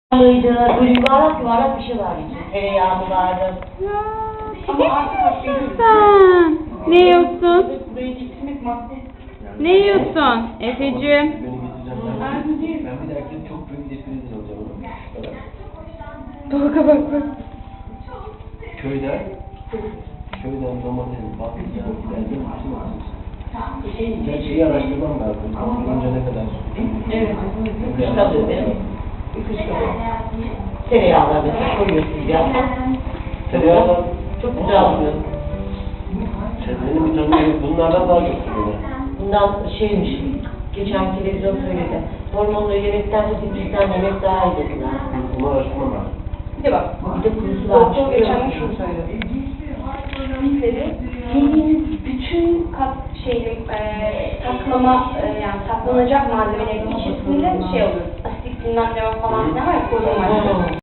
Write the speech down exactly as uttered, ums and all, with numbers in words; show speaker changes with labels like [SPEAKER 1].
[SPEAKER 1] Böyle yuvarlak yuvarlak bir şey var içinde. Tereyağlı vardı.
[SPEAKER 2] Ama artık sen ne yiyorsun? Ne yiyorsun Efe'cim?
[SPEAKER 3] Beni getireceğim. Ben, ben bir dahaki çok büyük defilede alacağım onu. Şu kadar.
[SPEAKER 2] Tolga bak bak.
[SPEAKER 3] Köyden, köyden domates, patlıcan, giderken bütün alacağız. Ben şeyi araştırmam lazım. Önce ne kadar?
[SPEAKER 1] Evet. Kış kalıyor benim. Kış kalıyor. Tereyağlar mesela koyuyorsun biraz.
[SPEAKER 3] Tereyağlar
[SPEAKER 1] Çok güzel oluyor.
[SPEAKER 3] benim bir tanıdığım bunlardan daha çok seviyorum.
[SPEAKER 1] Bundan şeymiş, geçen televizyon söyledi. Hormonlu yemekten de dipçikten yemek daha iyi dediler.
[SPEAKER 3] Bunu araştırmam lazım.
[SPEAKER 1] Bir de bak, bir de kurusu var.
[SPEAKER 4] Doktor geçen gün şunu söyledi. Bizleri yediğiniz bütün kat şeyli e, saklama e, yani saklanacak malzemelerin içerisinde şey olur. Asitik bilmem ne var falan filan var ya koruma